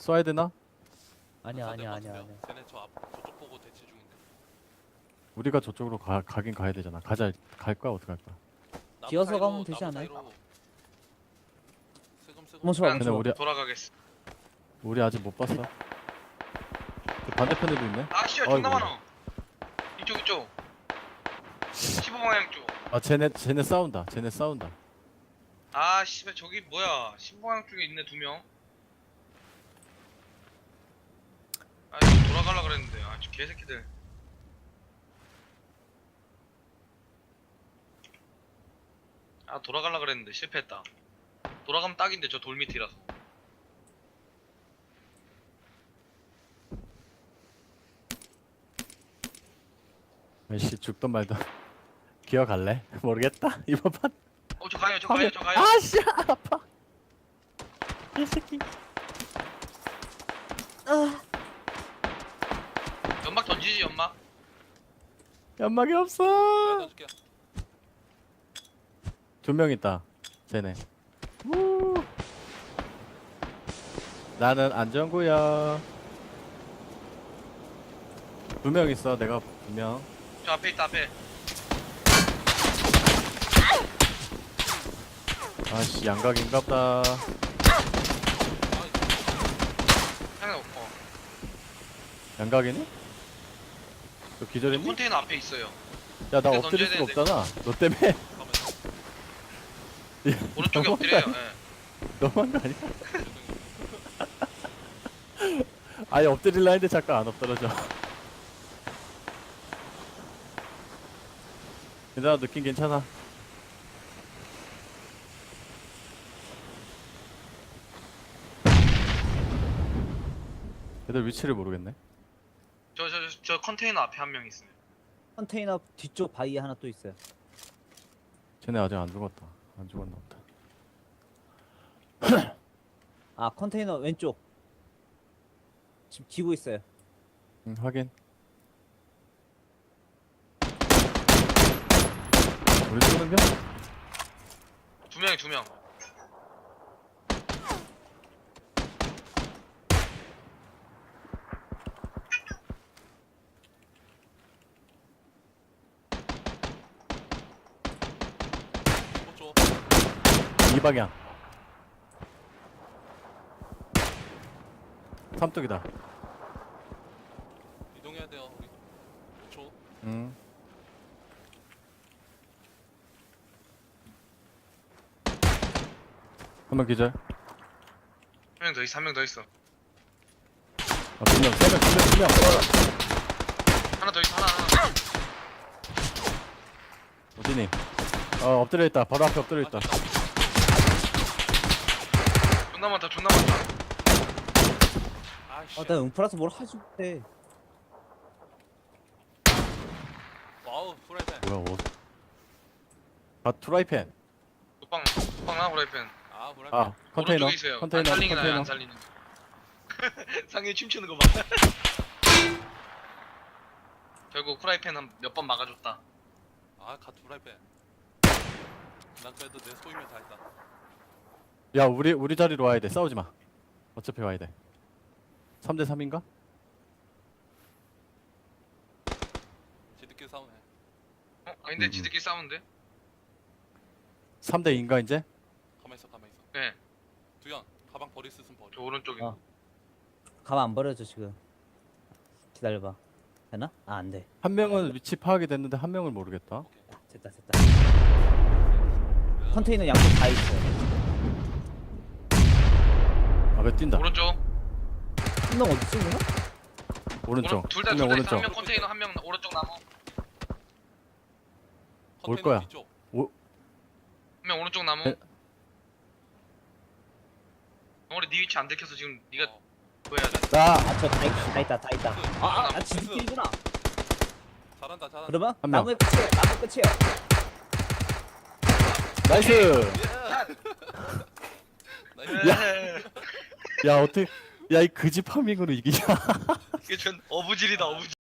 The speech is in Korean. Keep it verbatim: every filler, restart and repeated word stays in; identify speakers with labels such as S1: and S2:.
S1: 쏴야 되나?
S2: 아니야 아니야
S3: 맞으면
S2: 아니야 아니야.
S3: 쟤네 저 앞, 저쪽 보고 대치 중인데.
S1: 우리가 저쪽으로 가, 가긴 가야 되잖아. 가자. 갈 거야 어떻게 할 거야?
S3: 나무
S2: 기어서
S3: 사이로,
S2: 가면 되지
S3: 나무
S2: 않아요?
S3: 사이로 슬금슬금
S2: 멈춰 봐
S4: 그냥
S1: 근데
S2: 멈춰 봐.
S1: 우리
S4: 돌아가겠어.
S1: 우리 아직 못 봤어. 그 반대편에도 있네.
S4: 아 씨발 존나
S1: 아이고.
S4: 많아. 이쪽 이쪽. 십오 방향 쪽.
S1: 아 쟤네 쟤네 싸운다. 쟤네 싸운다.
S4: 아 씨발 저기 뭐야? 십오 방향 쪽에 있네 두 명. 아 이거 돌아가려 그랬는데 아 저 개새끼들. 아 돌아가려 그랬는데 실패했다. 돌아가면 딱인데 저 돌 밑이라서.
S1: 아이씨 죽던 말던 기어갈래? 모르겠다. 이번 판.
S4: 어 저 가요 저 가요 저 가요.
S1: 아씨 아파. 이 새끼.
S4: 연막 던지지 연막.
S1: 연막이 없어.
S3: 던질게.
S1: 두 명 있다. 쟤네. 우. 나는 안전구야. 두 명 있어. 내가 두 명.
S4: 저 앞에 있다 앞에.
S1: 아씨 양각인갑다.
S4: 향이 없고.
S1: 양각이니? 너 기절했니?
S4: 컨테이너 앞에 있어요.
S1: 야 나
S4: 근데
S1: 엎드릴 수가
S4: 던져야
S1: 없잖아. 너 때문에.
S3: 가면
S4: 오른쪽에
S1: 너무한
S4: 엎드려요.
S1: 거 아니야?
S4: 예.
S1: 너무한 거 아니야? 아예 엎드릴라 했는데 잠깐 안 엎드러져. 괜찮아 느낌 괜찮아. 얘들 위치를 모르겠네.
S4: 저 저 저 저 컨테이너 앞에 한 명 있어요.
S2: 컨테이너 뒤쪽 바위에 하나 또 있어요.
S1: 쟤네 아직 안 죽었다. 안 죽었나 보다.
S2: 아 컨테이너 왼쪽. 지금 기고 있어요.
S1: 응 확인. 우리 쏘는 겨?
S4: 두 명이 두 명.
S3: 오쪽.
S1: 이 방향. 삼뚝이다.
S3: 이동해야 돼요. 우리 오쪽.
S1: 응. 한 명 기절.
S4: 한 명 더 있어 한 명 더 있어.
S1: 아, 두 명, 세 명, 두 명, 두 명.
S4: 하나 더 있어 하나 하나.
S1: 어디니? 어, 엎드려 있다. 바로 앞에 엎드려 있다.
S4: 존나 많다 존나 많다.
S3: 아이씨.
S2: 아나 응프라서 뭘 하지 못해.
S3: 와우 프라이팬.
S1: 뭐야, 어. 아, 트라이팬.
S4: 독방 독방 나 프라이팬.
S3: 아 프라이팬.
S1: 아, 컨테이너.
S4: 오른쪽에 있어요.
S1: 컨테이너,
S4: 안 살리긴 나요
S1: 컨테이너.
S4: 안 살리는. 상해 춤추는 거 봐. 결국 프라이팬 한 몇 번 막아줬다.
S3: 아갓 프라이팬. 난 그래도 내 소임을 다했다.
S1: 야, 우리, 우리 자리로 와야 돼. 싸우지 마. 어차피 와야 돼. 삼 대 삼인가?
S3: 지들끼리 싸우네.
S4: 어? 아닌데
S1: 음, 음.
S4: 지들끼리 싸우는데?
S1: 삼 대 이인가, 이제?
S3: 가만 있어 가만 있어.
S4: 네.
S3: 두현 가방 버릴 수 있으면 버려.
S4: 저 오른쪽에.
S2: 어. 가만 안 버려져 지금. 기다려봐. 되나? 아 안돼.
S1: 한 명은 위치 파악이 됐는데 한 명을 모르겠다.
S3: 오케이.
S2: 됐다 됐다. 컨테이너 양쪽 다 있어요.
S1: 아, 왜 뛴다.
S4: 오른쪽.
S2: 한 명 어디 있어 그냥?
S1: 오른쪽.
S4: 둘다
S1: 한
S4: 둘
S1: 명
S4: 다 있어.
S1: 오른쪽.
S4: 한 명 컨테이너 한 명 오른쪽 나무.
S1: 올
S3: 컨테이너
S1: 거야.
S3: 뒤쪽.
S4: 한 명 오른쪽 나무.
S1: 네.
S4: 덩어리 네 위치 안 들켜서 지금 네가
S3: 어.
S4: 뭐 해야 돼?
S1: 나!
S2: 아저 다 있다 다 있다 다 있다. 아아 아, 지들끼리구나.
S3: 잘한다 잘한다.
S2: 그러면
S1: 한 명.
S2: 나무의 끝이에요. 나무 끝이에요.
S1: 나이스!
S3: 나이스.
S4: 야.
S1: 야, 어떻게. 야, 이 그지 파밍으로 이기냐?
S4: 이게 전 어부질이다 어부질.